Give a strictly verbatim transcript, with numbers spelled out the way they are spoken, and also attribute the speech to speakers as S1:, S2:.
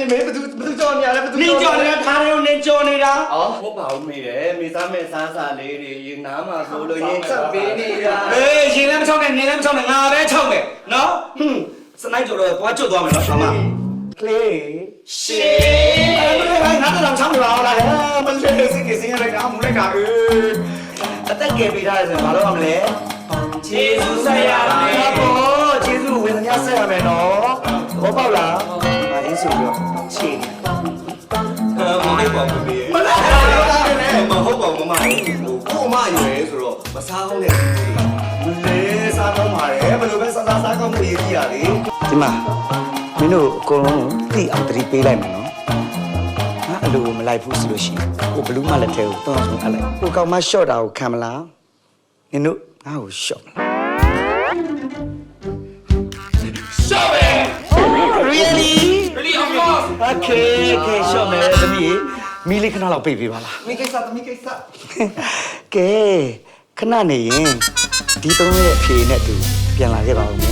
S1: မေဘသူဘသူကြော်နေရလဲဘသူ
S2: နင်းကြော်နေတာခါရုံနင်းကြော်နေတာ
S1: အော်ဟုတ်ပါဦးမေတယ်မေစားမဲ့စားစားလေးတွေရင်နားမှာဆိုလို့ရင်ချက်ပေးနေတာ
S2: အေးရှင်လည်းမချောက်နဲ့နင်းလည်းမချောက်နဲ့ငါပဲချောက်မယ်နော်ဟွန်းစနိုက်ကြော်တော့သွားကျွတ်သွားမယ်နော်ဆာမ
S1: ကလေး
S2: ရှေးအဲ့ငါတော့ချောက်နေပါလားဟဲ့မလေးစိတ်ကစင်းရလိုက်တာမူလိုက်တာအေး
S1: အသက်ကယ်ပေးထားတယ်ဆိုရင်မလုပ်ရမလဲ
S2: ဂျေဇုဆက်ရမယ်
S1: ဘောကျေးဇူးဝေဒနာဆက်ရမယ်နော်ဘောပေါက်လားမအင်းဆိုပြီးတော့ချေ
S3: မဟုတ်ပါဘူးမမဟုတ်ပါဘူးမမကိုမရွယ်ဆိုတော့မစားအောင်နဲ့
S1: လေစားတော့မှာလေဘယ်လိုပဲစားစားစားကောင်းမှုရည်ကြီးရလေဒီမှာမင်းတို့အကုန်လုံးသိအောင်တတိပေးလိုက်မယ်နော်ငါအလိုမလိုက်ဘူးဆိုလို့ရှိရင်ကိုဘလူးမလက်ထဲကိုတွန်းအောင်အပ်လိုက်ကိုကောင်မရှော့တာကိုခံမလားနင်တို့ငါ့ကိုရှော့မလား
S2: ရှော့ပဲ
S1: Really
S2: really of course
S1: Okay okay ရှော့မယ်သမီးမီးလေးခဏလောက်ပိတ်ပေးပါလား
S3: မိကိစ္စသမီးကိစ္စ
S1: ကဲခဏနေရင်ဒီသုံးရဲ့အဖြေနဲ့တူပြန်လာခဲ့ပါဦးမယ်